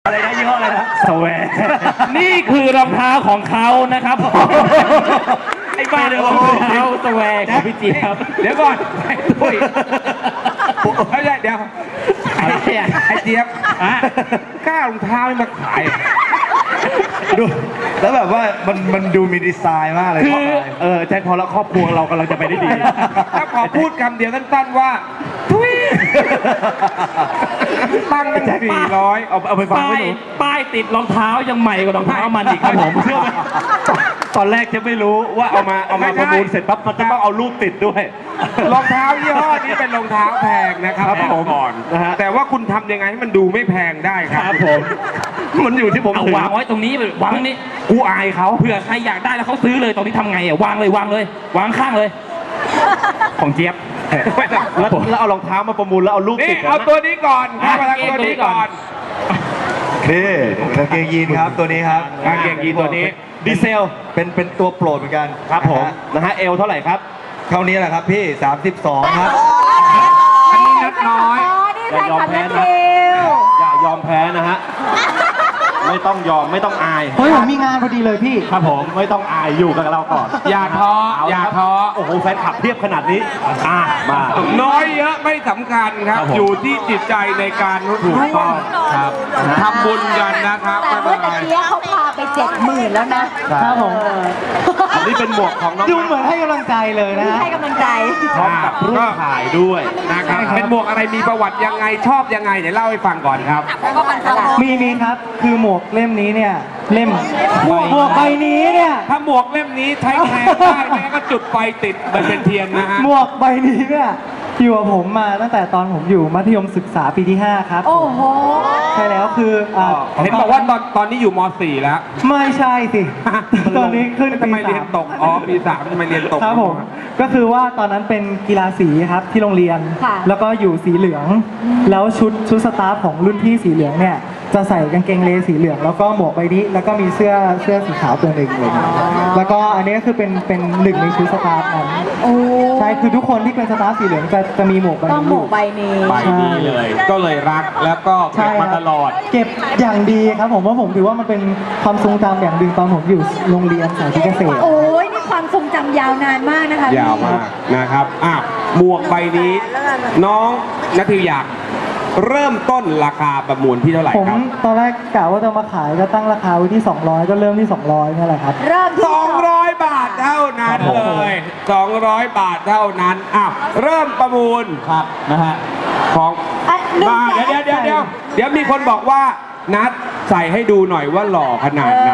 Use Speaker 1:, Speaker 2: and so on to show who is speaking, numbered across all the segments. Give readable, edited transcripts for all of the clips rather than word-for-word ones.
Speaker 1: อะไรนะยี่ห้ออะไรนะสแวร์
Speaker 2: นี่คือรองเท้าของเขานะครับไอ้บ้าเลยรองเท้าสแวร์ของพี่เจี๊ยบ
Speaker 3: เดี๋ยวก่อนปุ้ยไม่ใช่เดี๋ยวไอ้เจี๊ยบกล้ารองเท้ามาขาย
Speaker 1: ดูแล้วแบบว่ามันดูมีดีไซน์มากเลยคือแจ็คพอแล้วครอบครัวเรากำลังจะไปได้ดี
Speaker 3: ถ้าขอพูดคำเดียวสั้นๆว่าทุยตั้งตั้ง400
Speaker 1: เอาไปฟังไม่รู้
Speaker 2: ป้ายติดรองเท้ายังใหม่กว่ารองเท้ามันอีกครับผมเชื่อไหม
Speaker 1: ตอนแรกจะไม่รู้ว่าเอามาประมูลเสร็จปั๊บมันจะต้องเอารูปติดด้วย
Speaker 3: รองเท้ายี่ห้อนี้เป็นรองเท้าแพงนะครับผมก่อนแต่ว่าคุณทำยังไงให้มันดูไม่แพงได้ครับ
Speaker 1: ผมมันอยู่ที่ผม
Speaker 2: เอาวางไว้ตรงนี้วางนี้
Speaker 1: กูอายเขา
Speaker 2: เผื่อใครอยากได้แล้วเขาซื้อเลยตรงนี้ทำไงวางเลยวางข้างเลยของเจี๊ยบ
Speaker 1: แล้วเอารองเท้ามาประมูลแล้วเอารูปติด
Speaker 3: เอาตัวนี้ก่อนเอาตัวนี้ก่อน
Speaker 1: นี่กางเกงยีนครับตัวนี้ครับ
Speaker 3: กางเกงยีนตัวนี้
Speaker 1: ดีเซลเป็นตัวโปรดเหมือนกัน
Speaker 2: ครับผม
Speaker 1: นะฮะเอลเท่าไหร่ครับเท่านี้แหละครับพี่32ครับ
Speaker 3: อันนี้นัดน้อย
Speaker 1: อย่ายอมแพ้นะอย่ายอมแพ้นะฮะไม่ต้องยอมไม่ต้องอาย
Speaker 4: เฮ้ยผมมีงานพอดีเลยพี่
Speaker 1: ครับผมไม่ต้องอายอยู่กับเราก่อน
Speaker 3: อย่าท้อ
Speaker 1: โอ้โหแฟนคลับเทียบขนาดนี้มา
Speaker 3: น้อยเยอะไม่สำคัญครับอยู่ที่จิตใจในการร่วม
Speaker 1: ครับ
Speaker 3: ทำบุญกันนะครับ
Speaker 5: แต่ว่าตะเกียเขาพาไป70,000แล้วนะครับ
Speaker 4: ผม
Speaker 1: อันนี้เป็นหมวกของน้อง
Speaker 4: ดูเหมือนให้กำลังใจเลยนะ
Speaker 5: ให้กำลังใจ
Speaker 1: พร้อมกับรูปถ่ายด้วย
Speaker 3: นะครับเป็นหมวกอะไรมีประวัติยังไงชอบยังไงเดี๋ยวเล่าให้ฟังก่อนครับ
Speaker 4: มีครับคือหมวกเล่มนี้เนี่ยเล่มหมวกใบนี้เนี่ย
Speaker 3: ถ้าหมวกเล่มนี้ใช้แทนได้แม้ก็จุดไฟติดมันเป็นเทียนนะฮะ
Speaker 4: หมวกใบนี้เนี่ยอยู่กับผมมาตั้งแต่ตอนผมอยู่มัธยมศึกษาปีที่5ครับ
Speaker 5: โอ้โห
Speaker 4: ใช่แล้วคือ
Speaker 3: เห็นบอกว่าตอนนี้อยู่ม.4 แล้ว
Speaker 4: ไม่ใช่สิตอนนี้ขึ้น
Speaker 3: ทำไมเรียนตกปี3ทำไมเรียนตก
Speaker 4: ครับผมก็คือว่าตอนนั้นเป็นกีฬาสีครับที่โรงเรียนแล้วก็อยู่สีเหลืองแล้วชุดสตาฟของรุ่นพี่สีเหลืองเนี่ยจะใส่กางเกงเลสีเหลืองแล้วก็หมวกใบนี้แล้วก็มีเสื้อสีขาวตัวหนึ่งเลยแล้วก็อันนี้ก็คือเป็นหนึ่งในชุดสตาฟนั้นใช่คือทุกคนที่เป็นสตาฟสีเหลืองจะมีหมวกใบนี้
Speaker 5: หมวกใบนี้
Speaker 3: เลยก็เลยรักแล้วก็เก็บมาตลอด
Speaker 4: เก็บอย่างดีครับผมว่าผมถือว่ามันเป็นความทรงจำอย่างดึงตอนผมอยู่โรงเรียนสายเกษตร
Speaker 5: โอ้ยนี่ความทรงจำยาวนานมากนะคะ
Speaker 3: ยาวมากนะครับหมวกใบนี้น้องณทิวอยากเริ่มต้นราคาประมูลที่เท่าไหร่ครับ
Speaker 4: ผมตอนแรกกะว่าจะมาขายก็ตั้งราคาไว้ที่200ก็เริ่มที่200นี่แหละครับ
Speaker 5: เริ่มที่
Speaker 3: 200 บาทเท่านั้นเลย200 บาทเท่านั้นเริ่มประมูล
Speaker 1: ครับนะฮะ
Speaker 3: ของมาเดี๋ยวมีคนบอกว่านัดใส่ให้ดูหน่อยว่าหล่อขนาดไหน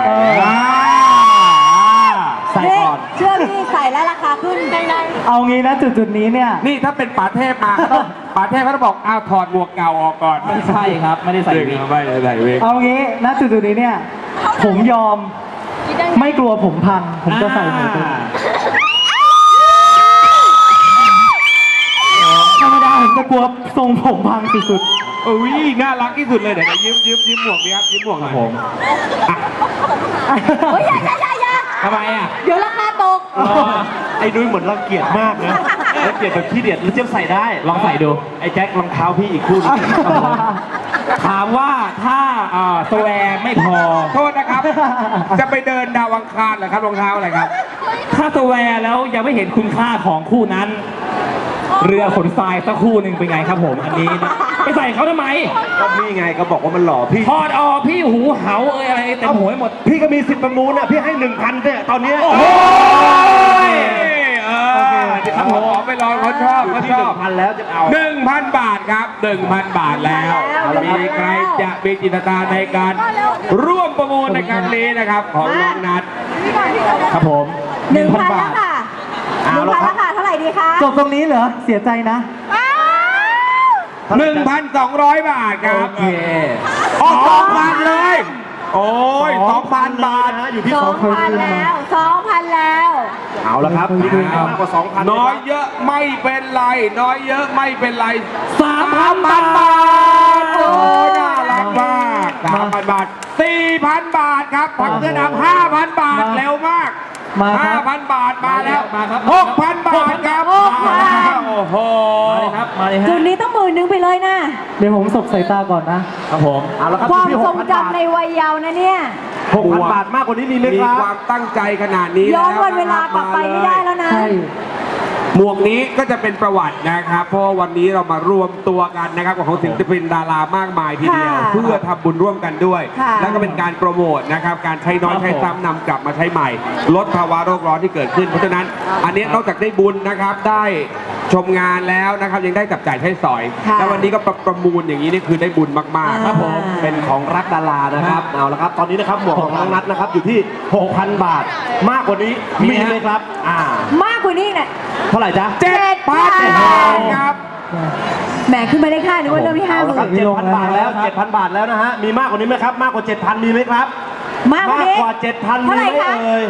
Speaker 5: ใส่ก่อนเชื่อพี่ใส่แล้วราคาขึ้นได้
Speaker 4: เอางี้นะจุดนี้เนี่ย
Speaker 3: นี่ถ้าเป็นป๋าเทพมาป๋าเทพเขาบอกถอดหมวกเก่าออกก่อน
Speaker 2: ไม่ใช่ครับไม่ได้ใส่วิก
Speaker 3: ไม่ได้ใส่วิก
Speaker 4: เอางี้นะจุดนี้เนี่ยผมยอมไม่กลัวผมพังผมจะใส่หมวกธรรมดาผมจะกลัวทรงผมพังสุด
Speaker 3: ๆน่ารักที่สุดเลยเดี๋ยวยืมหมวกดีครับยืมหมวกหน่อยผม
Speaker 5: อย่า
Speaker 3: ทำไม
Speaker 5: เดี๋ยวราคาตก
Speaker 1: ไอ้นุ้ยเหมือนรังเกียจมากนะรังเกียจแบบขี้เดียดแล้วเจี๊ยบใส่ได้
Speaker 2: ลองใส่ดู
Speaker 1: ไอ้แจ็ครองเท้าพี่อีกคู่นึง
Speaker 2: ถามว่าถ้าสแวร์ไม่พอ
Speaker 3: โทษนะครับจะไปเดินดาวอังคารเหรอครับรองเท้าอะไรครับ
Speaker 2: ถ้าสแวร์แล้วยังไม่เห็นคุณค่าของคู่นั้นเรือขนทรายสักคู่หนึ่งเป็นไงครับผมอันนี้ไปใส่เขาทำไม
Speaker 1: ก็พี่ไงก็บอกว่ามันหล่อพี่
Speaker 2: ถอดออกพี่หูเหาอะไรเต็มหัวหมด
Speaker 1: พี่ก็มีสิทธิ์ประมูลพี่ให้ 1,000เนี่ยตอนนี้
Speaker 3: ครับผมไปลองเขาชอบ
Speaker 1: 1,000แล้วจะเอา
Speaker 3: 1,000 บาทครับ 1,000 บาทแล้วมีใครจะมีจิตนาในการร่วมประมูลในครั้งนี้นะครับของน้องนัท
Speaker 1: ครับผม
Speaker 5: 1,000 บาทค่ะ1,000แล้วค่ะเท่าไหร่ดีคะ
Speaker 4: จบตรงนี้เหรอเสียใจนะ
Speaker 3: 1,200 บาทครับ
Speaker 1: โอเค
Speaker 3: 2,000เลยโอ้ย 2,000 บาท
Speaker 5: อยู่ที่2,000แล้ว2,000แล้ว
Speaker 1: เอาละครับก็2,000
Speaker 3: น้อยเยอะไม่เป็นไรน้อยเยอะไม่เป็นไร
Speaker 2: 3,000
Speaker 3: บาทโอ้น่ารักมาก 3,000 บาท 4,000 บาทครับผักเสื้อดำ 5,000 บาทเร็วมาก 5,000 บาทมาแล้ว 6,000 บาทครับโอ้โห
Speaker 5: จุดนี้ต้อง10,000ไปเลยนะ
Speaker 4: ดี๋ยวผมสบสายตาก่อนนะ
Speaker 2: ครับผม
Speaker 6: เอาละครับ
Speaker 5: ความ
Speaker 6: ที่
Speaker 5: ทรง
Speaker 6: 6,000 บาท
Speaker 5: จำในวัยเยาว์นะเนี่ย
Speaker 6: 6,000 บาทมากกว่านี้มีไหม
Speaker 3: มี
Speaker 6: ครับ
Speaker 3: ความตั้งใจขนาดนี้
Speaker 5: ย้อน
Speaker 3: แล้ว
Speaker 5: วันเวลากลับไปไม่ได้แล้วนะ
Speaker 4: ใช่
Speaker 3: หมวกนี้ก็จะเป็นประวัตินะครับ เพราะว่าวันนี้เรามารวมตัวกันนะครับของศิลปินดารามากมายทีเดียว
Speaker 5: ค่ะ
Speaker 3: เพื่อทำบุญร่วมกันด้วย
Speaker 5: ค่ะ
Speaker 3: แล้วก็เป็นการโปรโมทนะครับการใช้น้อยใช้ซ้ำนำกลับมาใช้ใหม่ ลดภาวะโลกร้อนที่เกิดขึ้น เพราะฉะนั้นอันนี้นอกจากได้บุญนะครับได้ชมงานแล้วนะครับยังได้จับจ่ายใช้สอย
Speaker 5: ค่ะ
Speaker 3: แล้ววันนี้ก็ประมูลอย่างนี้นี่คือได้บุญมากๆ
Speaker 6: ครับผมเป็นของรักดารานะครับเอาละครับตอนนี้นะครับหมวกของน้องนัทนะครับอยู่ที่ 6,000 บาท มากกว่านี้มีไหมครับ
Speaker 5: มากกว่านี้เนี่ย
Speaker 6: เท่าไหร่จ๊ะ
Speaker 3: 7,000 ครับ
Speaker 5: แหมขึ้นมาได้ค่านึกว่าเริ่มที่50,000
Speaker 6: 7,000 บาทแล้ว 7,000 บาทแล้วนะฮะมีมากกว่านี้ไหมครับมากกว่า 7,000 มีไหมครับ
Speaker 5: มากกว่านี้
Speaker 6: กว่า 7,000 มี
Speaker 5: เท่าไห
Speaker 6: ไห
Speaker 5: ร่
Speaker 6: ม
Speaker 5: คะ
Speaker 6: เอ่ย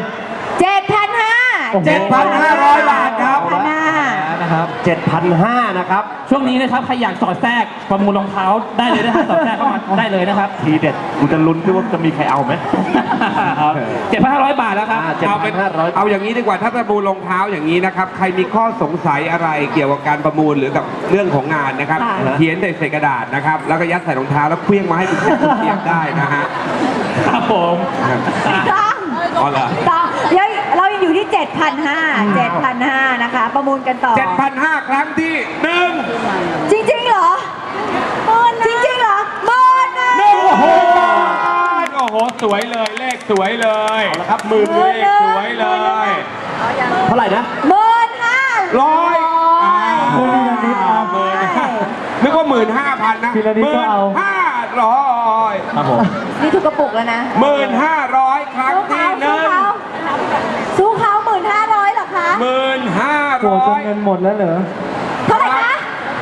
Speaker 3: 7,500 บาทครับ
Speaker 6: นะครับ 7,500 นะครับ
Speaker 2: ช่วงนี้นะครับใครอยากสอดแทรกประมูลรองเท้าได้เลยนะฮะสอดแทรกเข้ามาได้เลยนะครับ
Speaker 6: ทีเด็ดกูจะลุ้นด้วยว่าจะมีใครเอาไหม
Speaker 2: 7,500 บาทแล้วครับ
Speaker 3: เอาเป็น
Speaker 6: 7,500
Speaker 3: เอาอย่างนี้ดีกว่าถ้าประมูลรองเท้าอย่างนี้นะครับใครมีข้อสงสัยอะไรเกี่ยวกับการประมูลหรือกับเรื่องของงานนะครับ
Speaker 5: ค่ะ
Speaker 3: เขียนใส่กระดาษนะครับแล้วก็ยัดใส่รองเท้าแล้วเคลื่องมาให้คุณเทียบได้นะฮะ
Speaker 2: ครับผม
Speaker 5: ต้อง
Speaker 3: อ๋อเหรอ
Speaker 5: ต้องเดี๋ยวเรายังอยู่ที่ 7,500 นะคะ ประมูลกันต่อ
Speaker 3: 7,500 ครั้งที่หนึ่ง
Speaker 5: จริงๆเหรอจริงๆเหรอหมื่นนะ
Speaker 3: โอ้โหโอ้โหสวยเลยเลขสวยเลย
Speaker 6: เอาละครับหมื่น
Speaker 3: เลขสวยเลย
Speaker 6: เท่าไหร่นะ
Speaker 5: 15,000
Speaker 3: ร้อย
Speaker 4: คุณพีระนิดครับ
Speaker 3: นึกว่า15,000 นะ
Speaker 4: พีระนิดก็เอา
Speaker 3: 15,000
Speaker 2: ครับผม
Speaker 5: นี่ถูกกระปุกแล้วนะ
Speaker 3: 1,500 ครั้งที่หนึ่ง
Speaker 5: สู้เขา1,500เหรอคะ
Speaker 4: โกรธจนเงิน
Speaker 3: 1,500
Speaker 4: หมดแล้วเหรอ
Speaker 5: เท่าไหร่คะ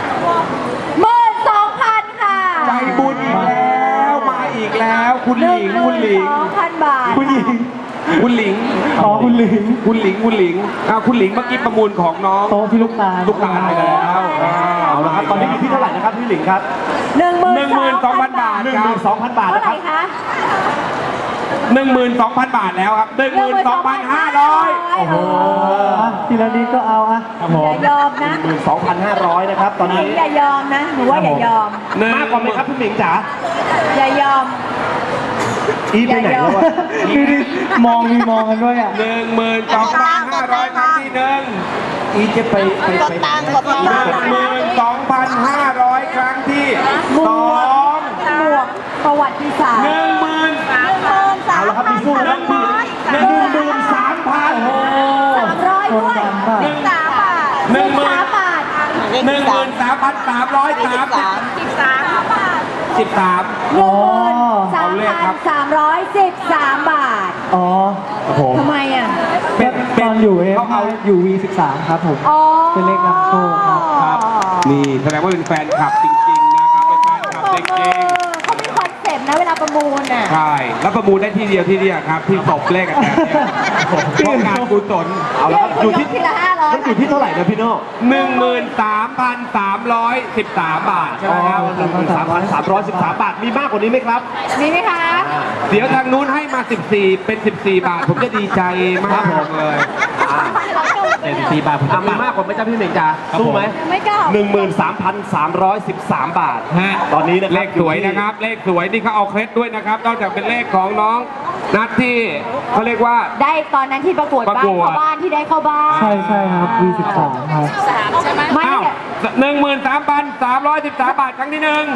Speaker 5: 12,000 ค่ะ
Speaker 3: ใจบุญอีกแล้วมาอีกแล้วคุณหลิงคุณหลิง
Speaker 5: 12,000 บาท
Speaker 4: ผู้หญิง
Speaker 3: คุณหลิง
Speaker 4: อ๋อคุณหลิง
Speaker 3: คุณหลิงคุณหลิงคุณหลิงเมื่อกี้ประมูลของน้อง
Speaker 4: โต๊ะพี่ลูกตาล
Speaker 3: ลูกตาลไปแล้ว
Speaker 6: เอาละครับตอนนี้อยู่ที่เท่าไหร่นะครับพี่หลิงครับ
Speaker 3: 12,000 บาทครับ
Speaker 6: 12,000 บาท
Speaker 5: เท่า
Speaker 6: นะ
Speaker 5: ไห
Speaker 6: ครั
Speaker 5: ร่
Speaker 6: บ
Speaker 5: คะ
Speaker 3: 12,000 บาทแล้วครับ 12,500
Speaker 5: โอ้โห
Speaker 4: ทีละนิดก็เอาอะ
Speaker 2: ครับผ
Speaker 5: อ
Speaker 2: ม
Speaker 5: ย่ายอมนะ
Speaker 6: 12,500 นะครับ ตอน
Speaker 5: หลิ
Speaker 6: นี้
Speaker 5: งอย่ายอมนะหนูว่าอย่ายอม
Speaker 6: มากกว่าไหมครับพี่หลิงจ๋า
Speaker 5: อย่ายอม
Speaker 6: อีไปไหนแล้ววะ
Speaker 4: ดูดิมองมีมองกันด้วยอะ
Speaker 3: 12,500 ครั้งที่หนึ่ง
Speaker 6: อีจะไป
Speaker 3: 12,500 ครั้งที่
Speaker 5: หม
Speaker 3: ส
Speaker 5: ว
Speaker 3: อก ง
Speaker 5: หมวกประวัติศาสตร์
Speaker 6: เอาละครับมีสู้นะพี่
Speaker 3: 13,000
Speaker 5: 300ด้วย
Speaker 4: 13 บาท
Speaker 5: 13 บาท
Speaker 3: 13,313
Speaker 4: อ๋อ
Speaker 3: เอาเลขครับ
Speaker 5: 13,313 บาท
Speaker 4: อ๋อ
Speaker 5: ทำไมอ่ะ
Speaker 4: เป็นตอนอยู่อยู่ V13 ครับผม
Speaker 5: อ๋อ
Speaker 4: เป็นเลขนำโชคครับ
Speaker 3: ครับ นี่แสดงว่าเป็นแฟนคลับจริงๆนะครับ เป็นแฟนคลับจริง
Speaker 5: เขามีคอนเซ็ปต์นะเวลาประมูลน่ะ
Speaker 3: ๆ ใช่ แล้วประมูลได้ที่เดียวครับ ที่ตบเลขกันแบบเนี้ยเพราะงานกุศล
Speaker 6: เอาละครับอยู่ที่
Speaker 5: ทีละ500
Speaker 6: มันอยู่ที่เท่าไหร่นะพี่โน่
Speaker 3: 13,313 บาทใช่ไหมครับ
Speaker 6: 13,313 บาท มีมากกว่านี้ไหมครับ
Speaker 5: มีไหมคะ
Speaker 3: เดี๋ยวทางนู้นให้มา 14 เป็น 14 บาท ผมจะดีใจมากเลย
Speaker 2: 74 บาทผมจะ
Speaker 6: มีมากกว่าไหมจ๊ะพี่หลิงจ๋าสู้ไหม
Speaker 5: ไม่กล้า
Speaker 6: 13,313 บาท
Speaker 3: ฮะ
Speaker 6: ตอนนี้นะครับ
Speaker 3: เลขสวยนะครับ เลขสวยนี่เขาเอาเคล็ดด้วยนะครับ นอกจากเป็นเลขของน้องนัดที่เขาเรียกว่า
Speaker 5: ได้ตอนนั้นที่ประกวด
Speaker 3: ประ
Speaker 5: บ้าน
Speaker 3: กวด
Speaker 5: เข้าบ้านที่ได้เข้าบ้าน
Speaker 4: ใช่ใช่ครับ V13 ครับ
Speaker 5: ไม่
Speaker 3: อ้าว
Speaker 5: เนี่ย
Speaker 3: 13,313 บาทครั้งที่หนึ่ง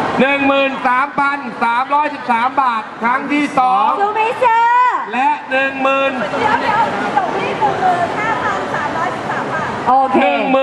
Speaker 3: 13,313 บาทครั้งที่สอง
Speaker 5: ซูไม่เชื่อ
Speaker 3: และ
Speaker 5: โอเค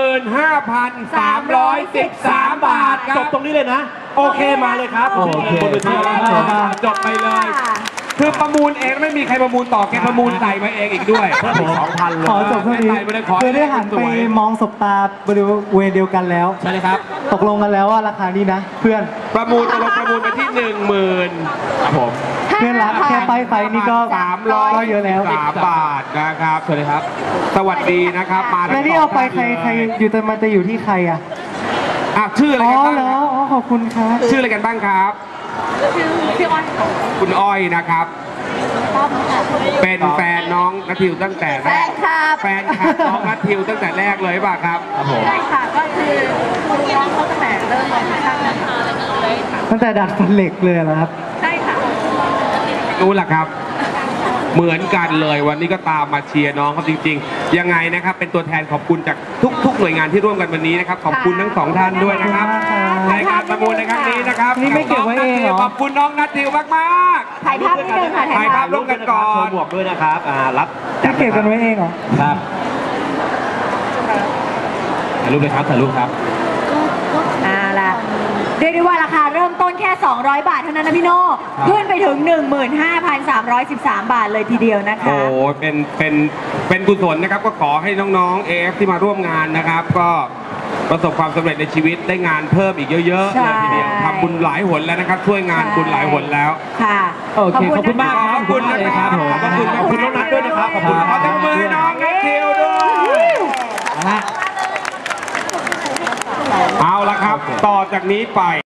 Speaker 3: 15,313 บาทค
Speaker 6: จ
Speaker 3: รั
Speaker 6: บบ ตรงนี้เลยนะ โอเคมาเลยครับ
Speaker 4: โอเค
Speaker 6: บนเวทีแล้ว
Speaker 3: จบไปเลย คือประมูลเองไม่มีใครประมูลต่อแกประมูลใส่มาเองอีกด้วย
Speaker 6: 2,000 เลย
Speaker 4: ขอจบเท่านี้
Speaker 3: ไม่เป็นไรขอให้
Speaker 4: คือได้หันไปมองสบตาบริเวณเดียวกันแล้ว
Speaker 2: ใช่เลยครับ
Speaker 4: ตกลงกันแล้วว่าราคานี้นะ เพื่อน
Speaker 3: ประมูลตกลงประมูลไปที่ 10,000ครับผม
Speaker 4: เพื่อนรักแค่ป้ายไฟนี่ก็ก็เยอะแล้ว
Speaker 3: 3บาทนะครับสวัสดีครับ สวัสดีนะครับมา
Speaker 4: แล้วนี่เอาไปใครอยู่แต่มันจะอยู่ที่ใครอ่ะ
Speaker 3: ชื่ออะไร
Speaker 4: อ๋อ
Speaker 3: กันบ้าง
Speaker 4: เหรออ๋อขอบคุณครับ
Speaker 3: ชื่ออะไรกันบ้างครับคุณอ้อยนะครับเป็นแฟนน้องนัททิวตั้งแต่แรก
Speaker 5: แฟนคลับ
Speaker 3: แฟนคลับน้องนัททิวตั้งแต่แรกเลยป่ะครับ
Speaker 2: ครับผม
Speaker 5: ใช่ค่ะก็คือน้องเขาตั้งแต่เริ่มเลยค่ะ
Speaker 4: ตั้งแต่ดัดฟันเหล็กเลยเหรอครับ
Speaker 5: ใช่ค่ะ
Speaker 3: รู้ล่ะครับ เหมือนกันเลยวันนี้ก็ตามมาเชียร์น้องเขาจริงๆ ยังไงนะครับ เป็นตัวแทนขอบคุณจากทุกหน่วยงานที่ร่วมกันวันนี้นะครับ ขอบคุณทั้งสองท่านด้วยนะครับ ในการประมูลในครั้งนี้นะครับ
Speaker 4: นี่ไม่เก็บไว้เองเหรอ
Speaker 3: ขอบคุณน้องนัททิวมาก
Speaker 5: ถ่ายภาพนิดนึงค่ะ
Speaker 3: ถ่ายภาพร่วมกันก่อน
Speaker 6: โชว์หมวกด้วยนะครับรับ
Speaker 4: ที่เก็บกันไว้เองเหรอ
Speaker 2: ครับถ่ายรูปเลยครับถ่ายรูปครับ
Speaker 5: ล่ะเรียกได้ว่าราคาเริ่มต้นแค่ 200 บาทเท่านั้นนะพี่โน่ขึ้นไปถึง 15,313 บาทเลยทีเดียวนะ
Speaker 3: ๆ โอ้
Speaker 5: คะ
Speaker 3: โหเป็นกุศลนะครับ ก็ขอให้น้องๆ AF ที่มาร่วมงานนะครับ ก็ประสบความสำเร็จในชีวิตได้งานเพิ่มอีกเยอะๆ
Speaker 5: ใช่
Speaker 3: เลยทีเดียวทำบุญหลายหนแล้วนะครับ ช่วยงานบุญหลายหนแล้ว
Speaker 5: ค่ะ
Speaker 2: โอเคขอบคุณมากครับ
Speaker 3: ขอบคุณนะครับ
Speaker 2: ขอบคุณ
Speaker 3: ขอบคุณน้องนัทด้วยนะครับ ขอบคุณขอตบมือให้น้องนัททิวด้วย
Speaker 2: นะฮะ
Speaker 3: เอาละครับ ต่อจากนี้ไป